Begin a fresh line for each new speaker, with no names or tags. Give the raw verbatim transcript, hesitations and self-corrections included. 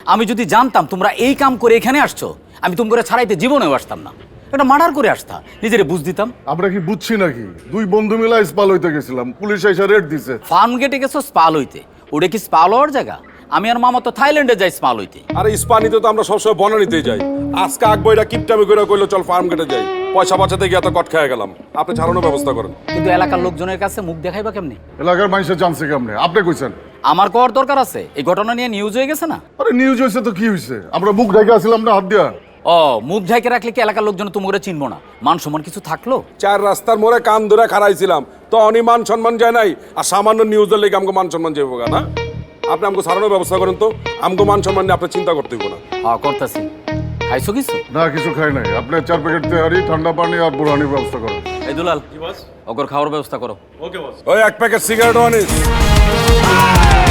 আমি যদি জানতাম তোমরা এই কাম করে এখানে আসছো, আমি তোমরা ছাড়াইতে জীবনেও আসতাম না। এটা মার্ডার করে আসতা, নিজেরে বুঝ দিতাম।
আমরা কি বুঝছি নাকি? দুই বন্ধু মিলা স্পাল হইতে গেছিলাম, পুলিশ এসে রেড দিছে।
ফার্ম গেটে গেছো স্পাল হইতে, ওটা কি স্পাল হওয়ার জায়গা? আমি আর মামা তো থাইল্যান্ডে যাই স্পাল হইতে।
আরে ইস্পানিতে তো আমরা সবসময় বনানিতেই যাই। আজকে আকবইরা কিপটামি করে কইলো চল ফার্ম গেটে যাই, পয়সা বাঁচাতে গিয়ে এত কট খেয়ে গেলাম। আপনি ছাড়ানোর ব্যবস্থা করেন।
কিন্তু এলাকার লোকজনের কাছে মুখ দেখাইবা কেমনি?
এলাকার মানুষের জানছে কেমনে? আপনি কইছেন।
আমার কর দরকার আছে, এই ঘটনা নিয়ে নিউজ হয়ে গেছে না?
আরে নিউজ হয়েছে তো কি হয়েছে? আমরা মুখ ঢেকে আসছিলাম না হাত দিয়া।
ও মুখ ঢেকে রাখলে কি এলাকার লোকজন তোমরা চিনবো না? মান সম্মান কিছু থাকলো?
চার রাস্তার মোড়ে কান ধরে খাড়াইছিলাম, তো অনি মান সম্মান যায় নাই, আর সামান্য নিউজের লেগে আমাকে মান সম্মান যাবো না। আপনি আমাকে ছাড়ানোর ব্যবস্থা করেন তো, আমাকে মান সম্মান নিয়ে আপনি চিন্তা করতে হইব না।
হ্যাঁ করতেছি। খাইছো কিছু?
না কিছু খাই নাই। আপনি চার প্যাকেট তেহারি, ঠান্ডা পানি আর বুড়ানির ব্যবস্থা করেন।
এই দুলাল, ওগর খাওয়ার ব্যবস্থা করো।
ওই এক প্যাকেট সিগারেটও আনিস।